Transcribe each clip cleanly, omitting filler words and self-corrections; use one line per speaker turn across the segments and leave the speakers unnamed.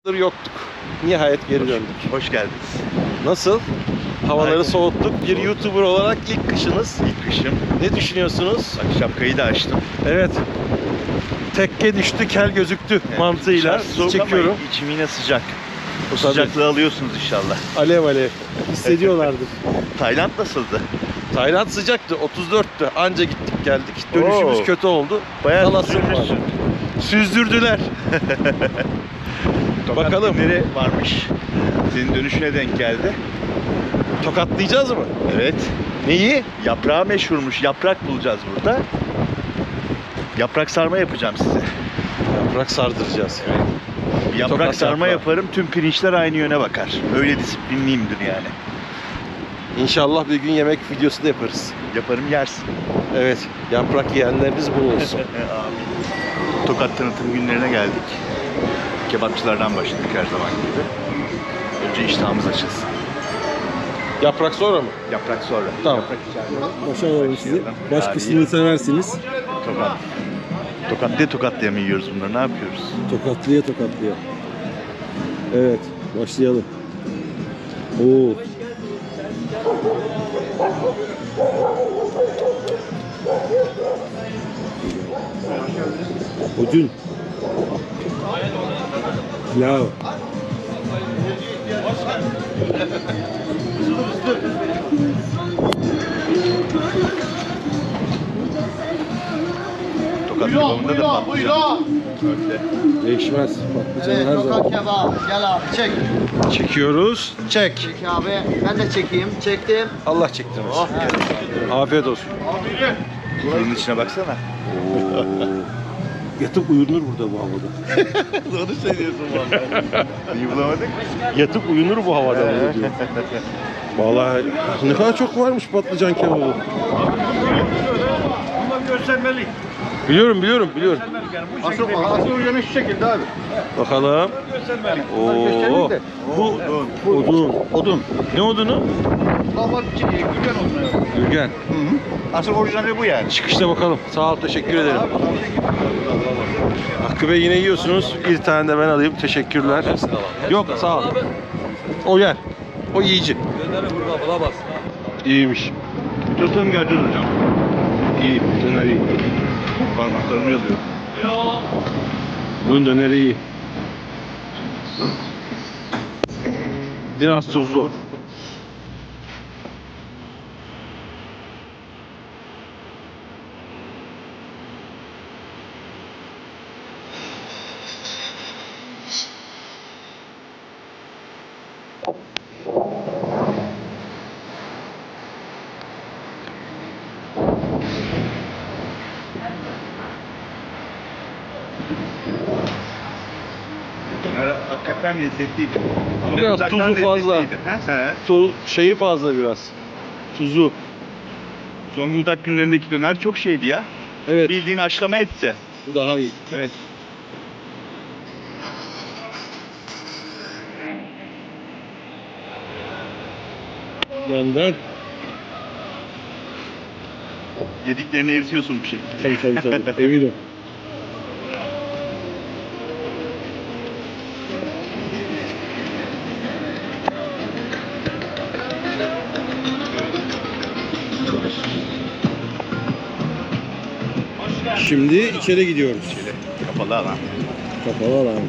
Yoktuk. Nihayet geri döndük.
Hoş geldiniz.
Nasıl? Havaları
Aynen.
soğuttuk. Bir YouTuber olarak ilk kışınız.
İlk kışım.
Ne düşünüyorsunuz?
Bak şapkayı da açtım.
Evet. Tekke düştü, kel gözüktü mantığıyla
Dışarı soğuk
çekiyorum.
ama içim yine sıcak. O
Tabii.
sıcaklığı alıyorsunuz inşallah.
Alev alev. Hissediyorlardır.
Tayland nasıldı?
Tayland sıcaktı. 34'tü. Anca gittik geldik. Dönüşümüz
Oo.
kötü oldu.
Bayağı
Kalasım var.
süzülmüşsün.
Süzdürdüler.
Tokat
Bakalım.
günleri varmış. Senin dönüşüne denk geldi.
Tokatlayacağız mı?
Evet.
Neyi?
Yaprağı meşhurmuş. Yaprak bulacağız burada. Yaprak sarma yapacağım size.
Yaprak sardıracağız.
Bir yaprak
Tokat
sarma
yaprağı.
yaparım. Tüm pirinçler aynı yöne bakar. Öyle disiplinliyimdir yani.
İnşallah bir gün yemek videosu da yaparız.
Yaparım yersin.
Evet. Yaprak yiyenleriniz bol olsun.
Tokat tanıtım günlerine geldik. Kebapçılardan başladık her zaman gibi. Önce iştahımız açılsın.
Yaprak sonra mı?
Yaprak sonra.
Tamam.
Yaprak içeride.
Başarılı sizi.
Başlayalım.
Başkasını seversiniz.
Tokat. Tokatlaya mı yiyoruz bunları? Ne yapıyoruz?
Tokatlıya. Evet, başlayalım. Oo. Odun. Pilav.
Tokat kebabında da patlıcan. Öyle.
Değişmez. Patlıcanı her zaman.
Tokat kebap. Gel abi çek.
Çekiyoruz. Çek.
Çek abi. Ben de çekeyim. Çektim.
Allah çektirmesin. Afiyet olsun.
Fırının içine baksana.
Yatıp uyunur burada bu havada.
Doğru söylüyorsun vallahi. Neyi bulamadık?
Yatıp uyunur bu havada burada diyor. Vallahi ne kadar çok varmış patlıcan kebabı.
Bunlar göstermelik.
Biliyorum.
Asıl uyanı şu şekilde abi.
Bakalım.
Göstermelik.
Oo. Bu odun. Ne odunu?
Baba güven olmuyor.
Gürgen.
Asıl orijinali bu yani.
Çıkışta bakalım. Sağ ol, teşekkür ederim. Hakkı Bey yine yiyorsunuz. Bir tane de ben alayım. Teşekkürler. Yok, sağ ol. O yer. O yiyici. İyiymiş.
Tutalım geleceğiz hocam.
İyi. Döner iyi.
Parmaklarımı yazıyor.
Bunun döneri iyi. Biraz tuzlu.
Hakikaten lezzetliydi.
Biraz
Uzaktan
tuzu fazla.
lezzetliydi. He?
Şeyi fazla biraz. Tuzu.
Zonguldak günlerindeki döner çok şeydi ya.
Evet.
Bildiğin haşlama etse.
Bu daha iyi.
Evet.
Benden.
Yediklerini eritiyorsun bir şekilde.
Tabii. Eminim.
Şimdi içeri gidiyoruz.
Kapalı alan.
Kapalı alan.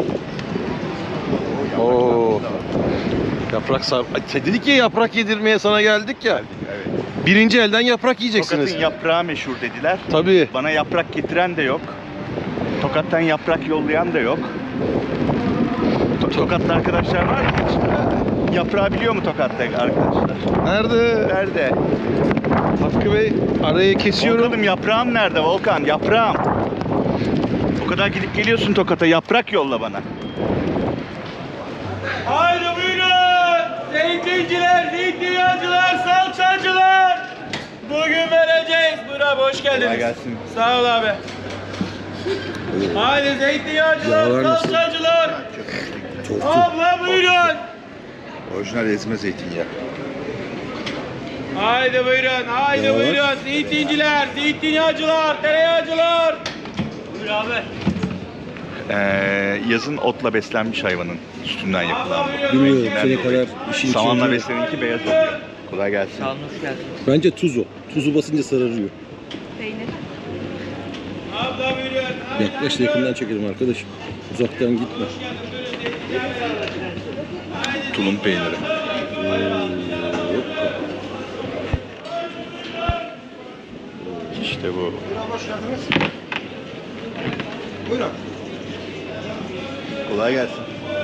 Oo. Yaprak sar. Ay, dedik ya yaprak yedirmeye sana geldik ya.
Evet.
Birinci elden yaprak yiyeceksiniz.
Tokat'ın yaprağı meşhur dediler.
Tabii.
Bana yaprak getiren de yok. Tokat'tan yaprak yollayan da yok. Tokat'ta arkadaşlar var mı hiç? Yaprağı biliyor mu Tokat'ta arkadaşlar?
Nerede?
Nerede?
Hakkı Bey arayı kesiyorum.
Volkan'ım yaprağım nerede Volkan? Yaprağım. O kadar gidip geliyorsun Tokat'a. Yaprak yolla bana.
Haydi buyurun. Zeytinciler, zeytinyağcılar, salçacılar. Bugün vereceğiz. Buyur abi hoş
Kolay
geldiniz.
gelsin.
Sağ ol abi. Haydi zeytinyağcılar,
Yağlar nasıl?
salçacılar.
Çok
Abla buyurun.
Orijinal ezme zeytinyağı.
Haydi buyurun, haydi
Yağlar.
buyurun. Zeytinciler, zeytinyağcılar, tereyağcılar. Buyur abi.
Yazın otla beslenmiş hayvanın sütünden yapılan bu.
Bilmiyorum
Renginden
sene
dolayı.
kadar işin
Samanla
içinde.
besleninki beyaz oluyor. Kolay gelsin.
Bence tuz o. Tuzu basınca sararıyor.
Peynir.
Abla buyurun.
Yaklaş da yakından çekelim arkadaşım. Uzaktan gitme.
Tulum peyniri. İşte bu.
Buyurun.
Kolay gelsin.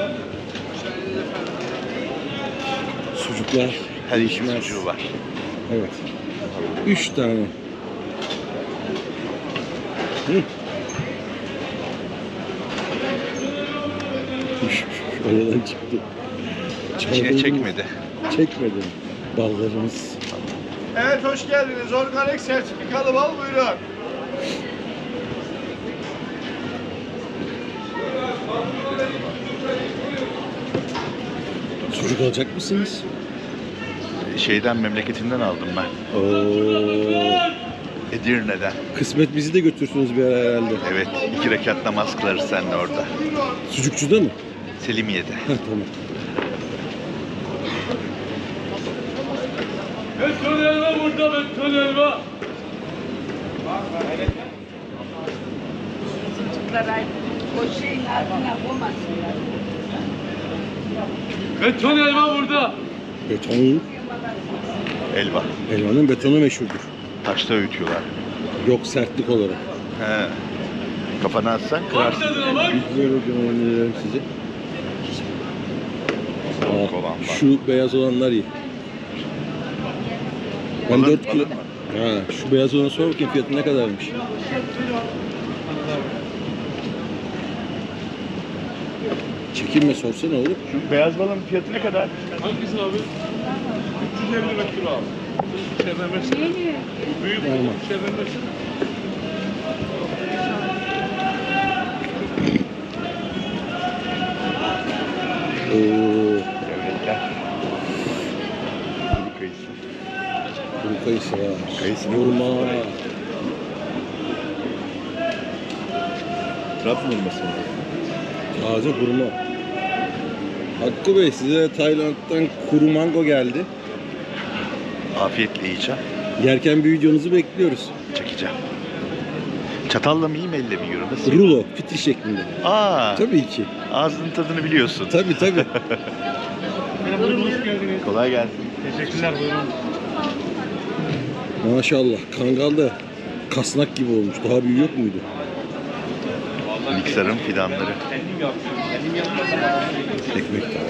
Sucuklar.
Her işin
değişmez.
sucuğu var.
Evet. 3 tane. Hı. Oradan çıktı.
İçine
Çaldığımız-
çekmedi.
Çekmedi. Ballarımız.
Evet hoş geldiniz. Organik sertifikalı bal buyurun.
Sucuk alacak mısınız?
Şeyden memleketinden aldım ben.
Oo.
Edirne'den.
Kısmet bizi de götürsünüz bir ara herhalde.
Evet. 2 rekat namaz kılarız seninle orada.
Sucukçuda mı?
Selimiye'de.
Heh, tamam.
Beton elma burada beton elma.
Çocuklara o şeyin altına koymasınlar.
Beton elma burada.
Beton,
Elva.
elmanın betonu meşhurdur.
Taşta öğütüyorlar.
Yok sertlik olarak.
He. Kafana atsan kırarsın.
Tadına bak.
Böyle öneririm size.
Soğuk olan var.
Şu beyaz olanlar iyi. Ben
Alır-
4 kilo...
alır mı?
Ha, şu beyaz olanı sor bakayım fiyatı ne kadarmış? Çekinme sorsana oğlum.
Şu beyaz balın fiyatı ne kadar?
Hangisi abi? 350 metre abi. İçeriden versene. Bu büyük
Tamam.
içeriden versene.
Oo,
Devletler. Kuru kayısı.
kuru kayısı var.
Kayısı mı?
Hurma.
Trabzon hurması mı?
Taze hurma. Hakkı Bey size Tayland'dan kuru mango geldi.
Afiyetle yiyeceğim.
Yerken bir videonuzu bekliyoruz.
Çekeceğim. Çatalla mı yiyeyim, elle mi yiyorum? Nasıl yiyorum?
Rulo, fitil şeklinde.
Aa,
Tabii ki.
ağzının tadını biliyorsun.
Tabii tabii.
Kolay gelsin.
Teşekkürler buyurun.
Maşallah. Kangal da kasnak gibi olmuş. Daha büyük yok muydu?
Miksarın fidanları.
Kendim yapıyorum. Kendim yapmasam.
Ekmek de.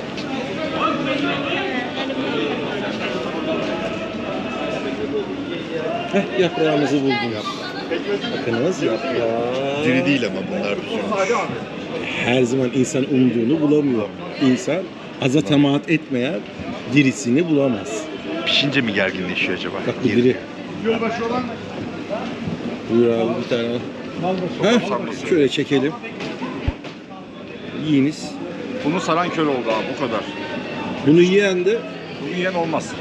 Heh, yaprağımızı buldunuz. Bakınız yaprağı.
Diri değil ama bunlar büzülmüş.
Her zaman insan umduğunu bulamıyor. İnsan aza temaat etmeyen dirisini bulamaz.
Pişince mi gerginleşiyor acaba?
Bak bu diri.
Gölbaşı olan
Buyur abi bir tane al. Heh, şöyle çekelim. Yiyiniz.
Bunu saran köle oldu abi bu kadar.
Bunu yiyen de
Bunu yiyen olmaz.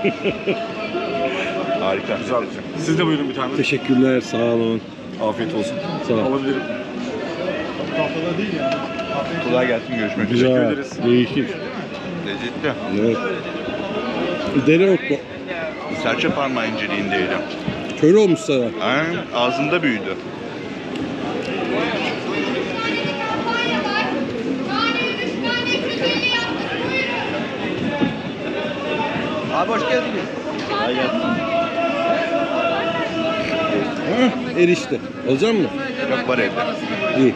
Harika.
Güzel. Siz de buyurun bir tane.
teşekkürler, sağ olun.
Afiyet olsun.
Sağ ol.
Alabilirim.
Kolay gelsin, görüşmek üzere.
Güzel,
ederiz.
değişik.
Lezzetli.
Evet. Dereotlu.
Serçe parmağı inceliğindeydi.
Köle olmuş sana.
Aynen, ağzında büyüdü.
Abi hoş geldiniz.
Kolay gelsin.
Hah, erişte. Alacak mısın?
Yok, var evde.
İyi.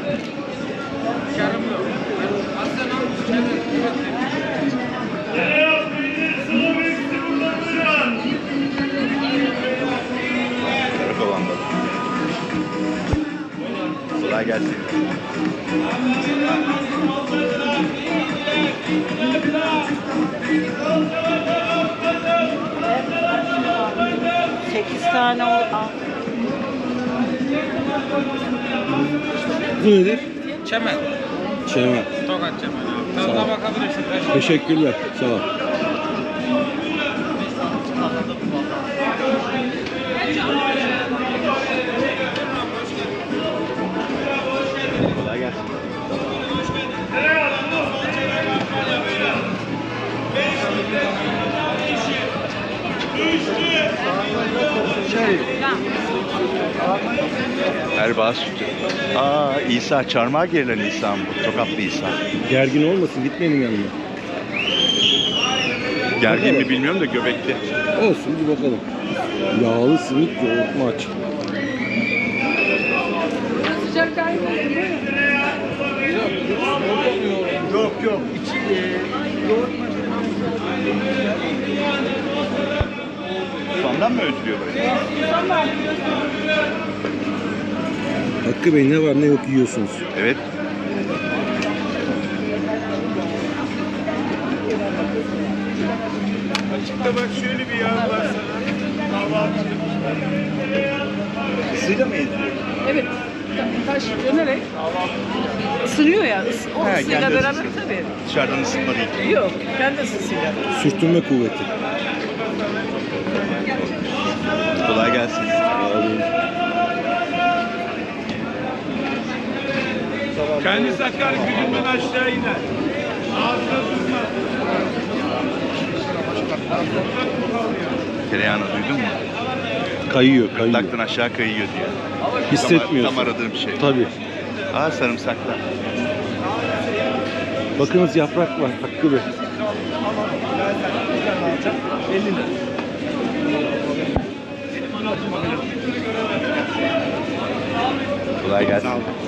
Karakolanda. Kolay gelsin.
Sekiz tane al.
Bu nedir?
Çemen.
Çemen.
Tokat çemen abi.
Sağ ol.
Tadına bakabilirsin.
Teşekkürler. Sağ ol.
Kolay gelsin. Erbaa sütü. Aa, İsa, çarmıha gerilen İsa mı bu? Tokatlı İsa.
Gergin olmasın, gitmeyelim yanına.
Gergin mi bilmiyorum da göbekli.
Olsun, bir bakalım. Yağlı simit, yoğurt maç.
Sıcak kaybı.
Yok yok. İçi yoğurt
Sondan mı ötülüyor böyle?
Hakkı Bey, ne var ne yok yiyorsunuz.
Evet.
Açıkta bak şöyle bir yağ var sana. Kahvaltı.
Isıyla mı eziliyor?
Evet. Taş dönerek ısınıyor ya. O
He,
ısıyla
kendi
beraber
ısısı.
tabii.
Dışarıdan ısınma değil.
Yok. Kendi ısısıyla.
Sürtünme kuvveti.
Kolay gelsin.
Kendi sakar gücünden aşağı iner. Ağzına tutma.
Tereyağını duydun mu?
Kayıyor, kayıyor.
Gırtlaktan aşağı kayıyor diyor.
Hissetmiyorsun.
Tam aradığım şey.
Tabii.
Aa, sarımsaklar.
Bakınız yaprak var Hakkı Bey.
Kolay gelsin.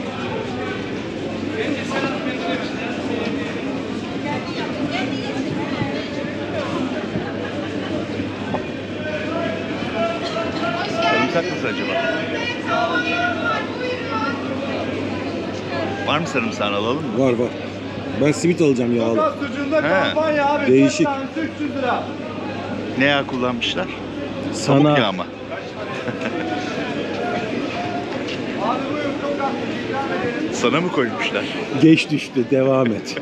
Sarımsak nasıl acaba? Var mı sarımsağını alalım mı?
Var var. Ben simit alacağım yağlı.
Sucuğunda
He.
kampanya abi.
Değişik.
4 tanesi 300 lira.
Ne yağ kullanmışlar? Tavuk
Sana
yağı mı?
Abi buyurun çok az. İkram edelim.
Sana mı koymuşlar?
geç düştü, devam et.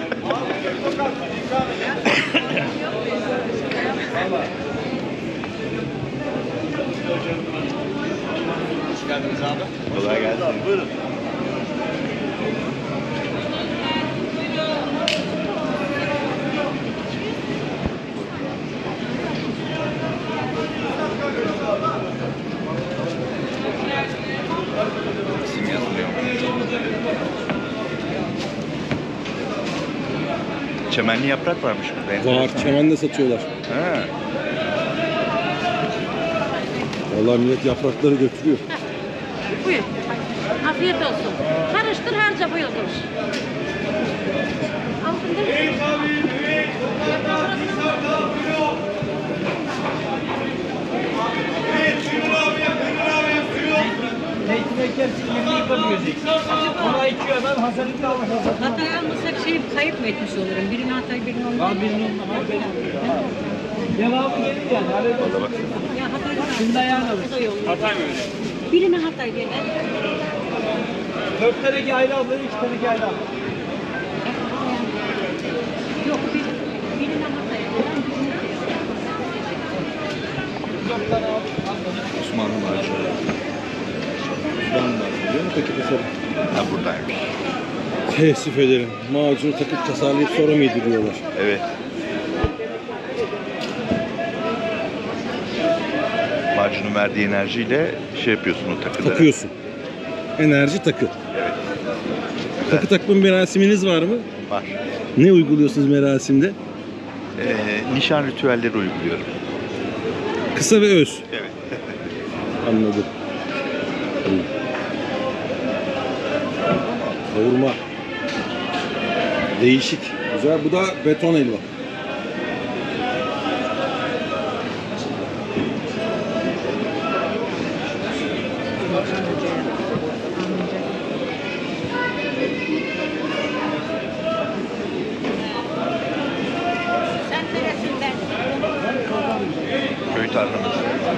Kolay gelsin. Buyurun. İsim yazılıyor. Çemenli yaprak varmış burada.
Var, çemende satıyorlar.
Ha.
Vallahi millet yaprakları götürüyor.
Buyur. Afiyet olsun. Karıştır harca buyur.
Zeytin ekersin 20 yıkamıyorsun. Ona 2 adam Hasan'ın almış Hasan.
Hatay almasak kayıp mı etmiş olurum? Birini Hatay, birini olmaz.
Abi birinin devamı gelir yani. Arada
Ya Hatay'dan
şimdi ayağına alır.
Hatay mı öyle?
Birini Hatay diye.
4 tane ayrı alır, 2 tane ayrı alır.
Yok birini Hatay.
Osmanlı var şöyle.
Osmanlı var. Biliyor musun peki tasarım?
Ha, buradaymış.
Teessüf ederim. Macunu takıp tasarlayıp sonra mı yediriyorlar?
Evet. Macunun verdiği enerjiyle şey yapıyorsun o takıları.
Takıyorsun. Enerji takı.
Evet.
Takı takma merasiminiz var mı?
Var.
Ne uyguluyorsunuz merasimde?
Nişan ritüelleri uyguluyorum.
Kısa ve öz.
Evet.
Anladım. Kavurma. Değişik. Güzel. Bu da beton helva.
Sen neresinden?
Köy tarlamız.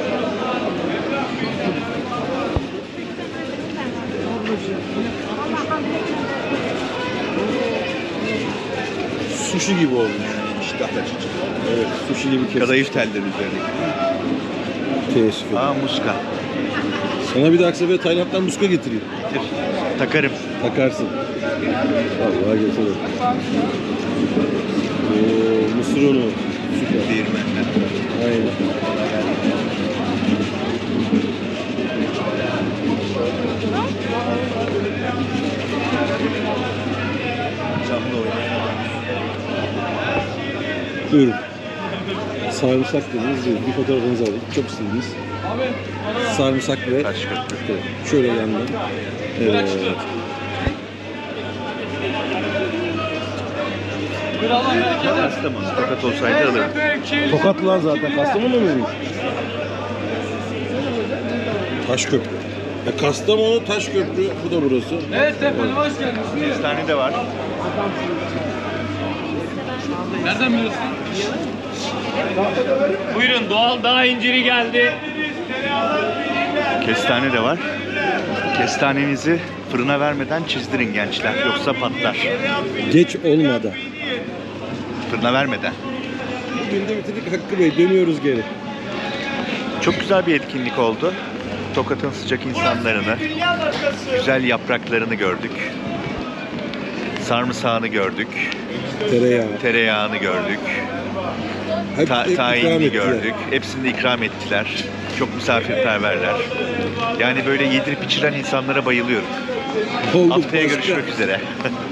Sushi gibi olmuş.
İştah açıcı.
Evet. Sushi gibi kesin.
Kadayıf telleri üzerine.
Teessüf ederim.
Aa, muska.
Sana bir dahaki sefer Tayland'dan muska getireyim.
Getir. Takarım.
Takarsın. Vallahi getiririm. Oo, mısır unu. Süper.
Değirmenden.
Aynen. Buyurun. Sarımsak dediniz. Bir fotoğrafınızı alayım. Çok istediniz. Sarımsak ve
Taş köprü.
şöyle yandan. Evet.
Kastamonu. Tokat olsaydı alırım.
Tokatlılar zaten. Kastamonu muymuş? Taşköprü. Kastamonu Taşköprü. Bu da burası.
Evet efendim hoş geldiniz.
Kestane de var.
Nereden biliyorsun? Buyurun doğal dağ inciri geldi.
Kestane de var. Kestanenizi fırına vermeden çizdirin gençler. Yoksa patlar.
Geç olmadan.
Fırına vermeden.
Bugün de bitirdik Hakkı Bey. Dönüyoruz geri.
Çok güzel bir etkinlik oldu. Tokat'ın sıcak insanlarını, güzel yapraklarını gördük. Sarımsağını gördük.
Tereyağı.
Tereyağını gördük.
Hep ikram
Tayinini
ettiler.
gördük. Hepsini de ikram ettiler. Çok misafirperverler. Yani böyle yedirip içiren insanlara bayılıyorum.
Oldu
Haftaya
başka.
görüşmek üzere.